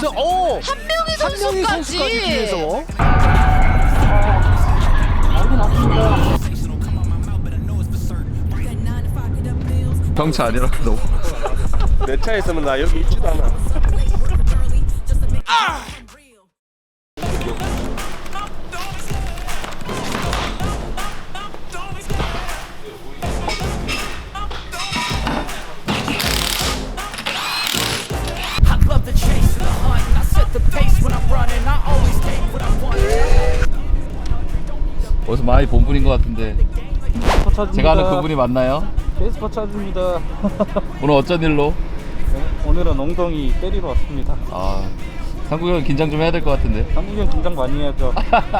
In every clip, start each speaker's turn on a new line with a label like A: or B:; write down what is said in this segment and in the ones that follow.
A: 이러면서
B: 한명희
A: 한명희
B: 선수까지.
A: 선수까지 뒤에서.
C: 경차 아니라 너무.
D: 내 차에 있으면 나 여기 있지도 않아.
C: 어디서 많이 본 분인 것 같은데 제가 아는 그분이 맞나요?
E: 페이스퍼 찾습니다.
C: 오늘 어쩐 일로?
E: 오늘은 엉덩이 때리러 왔습니다.
C: 아, 상국이 형 긴장 좀 해야 될 것 같은데.
E: 한국이 형 긴장 많이 해야죠.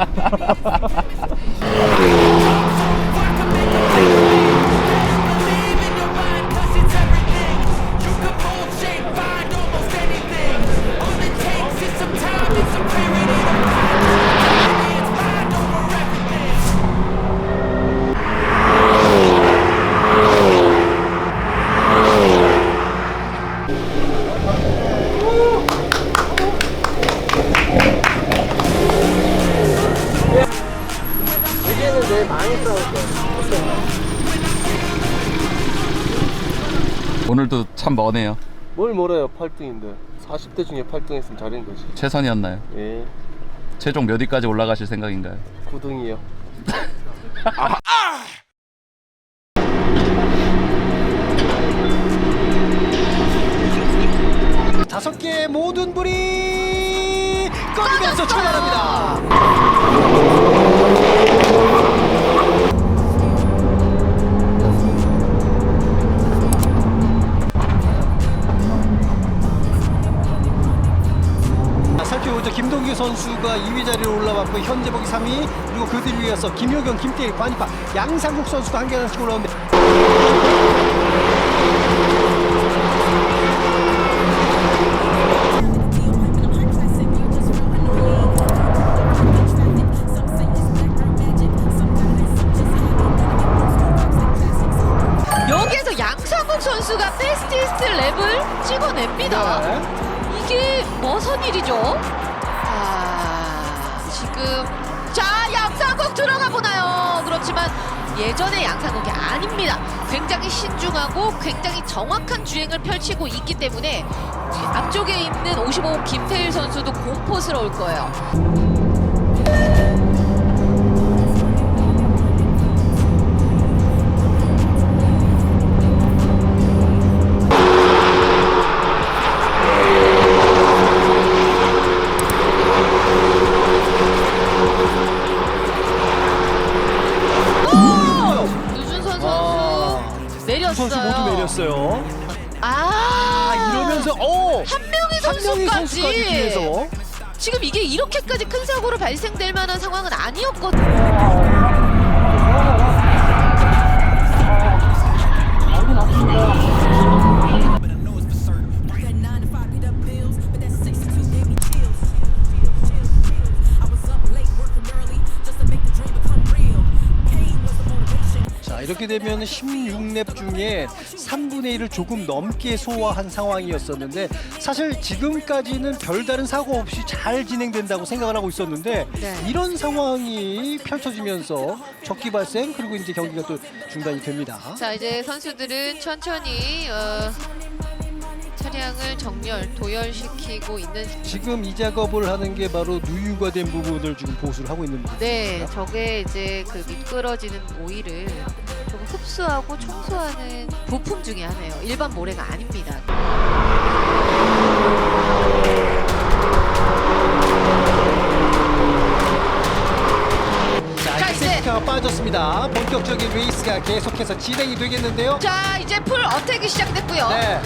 C: 오늘도 참 머네요.
D: 뭘 몰아요, 8등인데. 40대 중에 8등 했으면 잘한 거지.
C: 최선이었나요?
D: 예,
C: 최종 몇 위까지 올라가실 생각인가요?
D: 9등이요.
A: 다섯 개의 모든 불이 꺼지면서 출발합니다. 살펴보죠. 김동규 선수가 2위 자리로 올라왔고 현재복이 3위, 그리고 그들 위에서 김효경, 김태희, 관이파, 양상국 선수가 한 계단씩 올라옵니다.
B: 여기에서 양상국 선수가 패스티스트 랩을 찍어냅니다.
A: 네.
B: 이게 무슨 일이죠? 지금 양상국 들어가 보나요? 그렇지만 예전의 양상국이 아닙니다. 굉장히 신중하고 굉장히 정확한 주행을 펼치고 있기 때문에 앞쪽에 있는 55호 김태일 선수도 공포스러울 거예요. 유준선 선수 내렸어요.
A: 선수 모두 내렸어요.
B: 이러면서 한명희
A: 한명희 선수까지
B: 선수까지.
A: 뒤에서.
B: 지금 이게 이렇게까지 큰 사고로 발생될 만한 상황은 아니었거든요.
A: 이렇게 되면 16랩 중에 3분의 1을 조금 넘게 소화한 상황이었었는데, 사실 지금까지는 별다른 사고 없이 잘 진행된다고 생각을 하고 있었는데
B: 네.
A: 이런 상황이 펼쳐지면서 적기 발생, 그리고 이제 경기가 또 중단이 됩니다.
B: 자, 이제 선수들은 천천히 차량을 도열시키고 있는.
A: 지금 이 작업을 하는 게 바로 누유가 된 부분을 지금 보수를 하고 있는 부분입니다.
B: 네, 저게 이제 그 미끄러지는 오일을 좀 흡수하고 청소하는 부품 중에 하나예요. 일반 모래가 아닙니다.
A: 자, 이제 세이프카가 빠졌습니다. 본격적인 레이스가 계속해서 진행이 되겠는데요.
B: 자, 이제 풀 어택이 시작됐고요.
A: 네.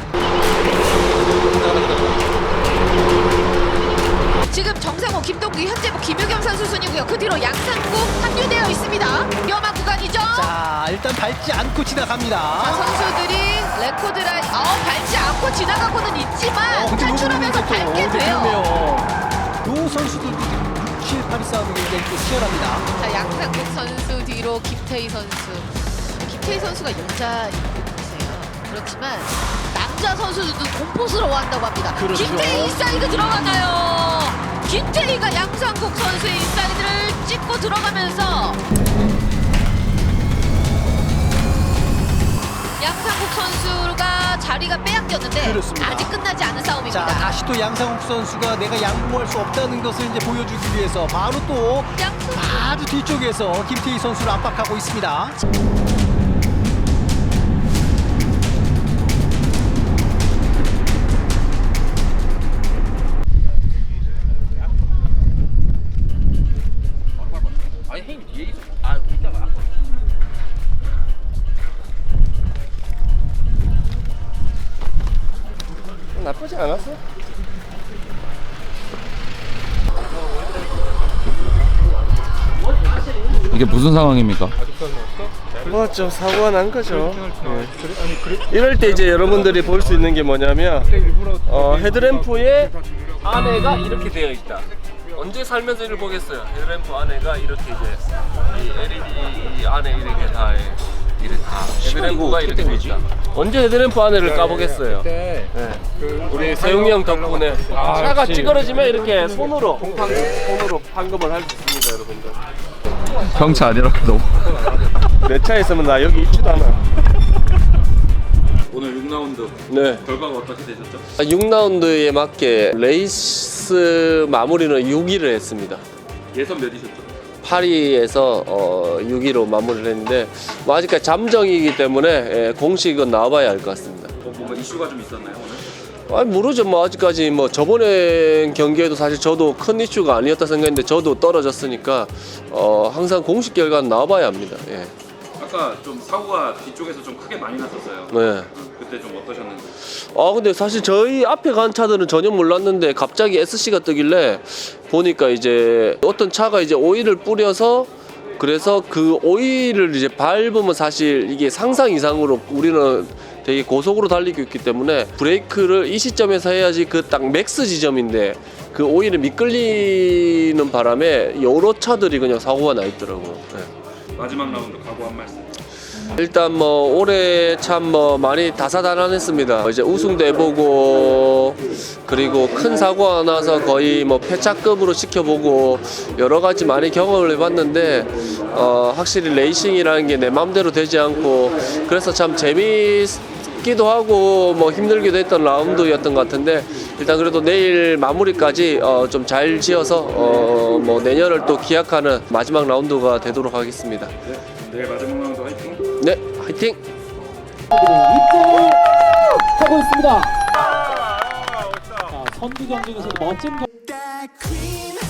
B: 지금 정상호, 김동규, 현재복, 김유겸 선수 순이고요. 그 뒤로 양상국 합류되어 있습니다. 위험한 구간이죠.
A: 자, 일단 밟지 않고 지나갑니다.
B: 자, 선수들이 레코드 라인 밟지 않고 지나가고는 있지만
A: 근데
B: 탈출하면서
A: 요거는 또,
B: 밟게 돼요.
A: 그러네요. 요 선수들도 지금 6, 7, 8위 싸움이 굉장히 또 치열합니다.
B: 자, 양상국 선수 뒤로 김태희 선수. 김태희 선수가 여자이세요. 그렇지만 남자 선수들도 공포스러워한다고 합니다.
A: 그렇죠.
B: 김태희 인사이드 들어가나요? 김태희가 양상국 선수의 인사이드를 찍고 들어가면서 양상국 선수가 자리가 빼앗겼는데
A: 그렇습니다.
B: 아직 끝나지 않은 싸움입니다.
A: 자, 다시 또 양상욱 선수가 내가 양보할 수 없다는 것을 이제 보여주기 위해서 바로 또 아주 뒤쪽에서 김태희 선수를 압박하고 있습니다.
C: 아니 형님 뒤에 있어. 아 이따가
D: 나쁘지 않았어?
C: 이게 무슨 상황입니까?
D: 뭐 좀 사고가 난 거죠. 이럴 때 이제 여러분들이 볼 수 있는 게 뭐냐면 헤드램프의 안에가 이렇게 되어 있다. 언제 살면서 이걸 보겠어요? 헤드램프 안에가 이렇게 이제 이 LED 안에 이렇게 다 이렇게 다 헤드램프가 이렇게 돼 있다. 언제 헤드램프 안에를 까보겠어요? 우리 세웅이 형 덕분에 차가 찌그러지면 이렇게 손으로 판금을 할 수 있습니다, 여러분들.
C: 형차 아니라 너무.
D: 내 차에 있으면 나 여기 있지도 않아.
C: 오늘 6라운드
D: 네.
C: 결과가 어떻게 되셨죠?
D: 6라운드에 맞게 레이스 마무리는 6위를 했습니다.
C: 예선 몇이셨죠?
D: 8위에서 6위로 마무리를 했는데 뭐 아직까지 잠정이기 때문에 공식은 나와봐야 알 것 같습니다.
C: 뭔가 이슈가 좀 있었나요 오늘?
D: 아니 모르죠. 뭐 아직까지 뭐 저번에 경기에도 사실 저도 큰 이슈가 아니었다 생각했는데 저도 떨어졌으니까 항상 공식 결과는 나와봐야 합니다. 예.
C: 아까 좀 사고가 뒤쪽에서 좀 크게 많이 났었어요.
D: 네.
C: 그때 좀 어떠셨는지?
D: 근데 사실 저희 앞에 간 차들은 전혀 몰랐는데 갑자기 SC가 뜨길래 보니까 이제 어떤 차가 이제 오일을 뿌려서 그래서 그 오일을 이제 밟으면 사실 이게 상상 이상으로 우리는 되게 고속으로 달리고 있기 때문에 브레이크를 이 시점에서 해야지 그 딱 맥스 지점인데 그 오일이 미끌리는 바람에 여러 차들이 그냥 사고가 나 있더라고요. 네.
C: 마지막 라운드 각오 한 말씀.
D: 일단 뭐 올해 참 뭐 많이 다사다난했습니다. 이제 우승도 해보고 그리고 큰 사고가 나서 거의 뭐 폐차급으로 시켜보고 여러 가지 많이 경험을 해봤는데 확실히 레이싱이라는 게 내 마음대로 되지 않고 그래서 참 재미있기도 하고 뭐 힘들기도 했던 라운드였던 것 같은데 일단 그래도 내일 마무리까지 좀 잘 지어서 뭐 내년을 또 기약하는 마지막 라운드가 되도록 하겠습니다.
C: 내일 마지막 라운드 화이팅.
D: 네, 화이팅!
F: 하고 있습니다. 자, 선두 경쟁에서도 멋진
G: that cream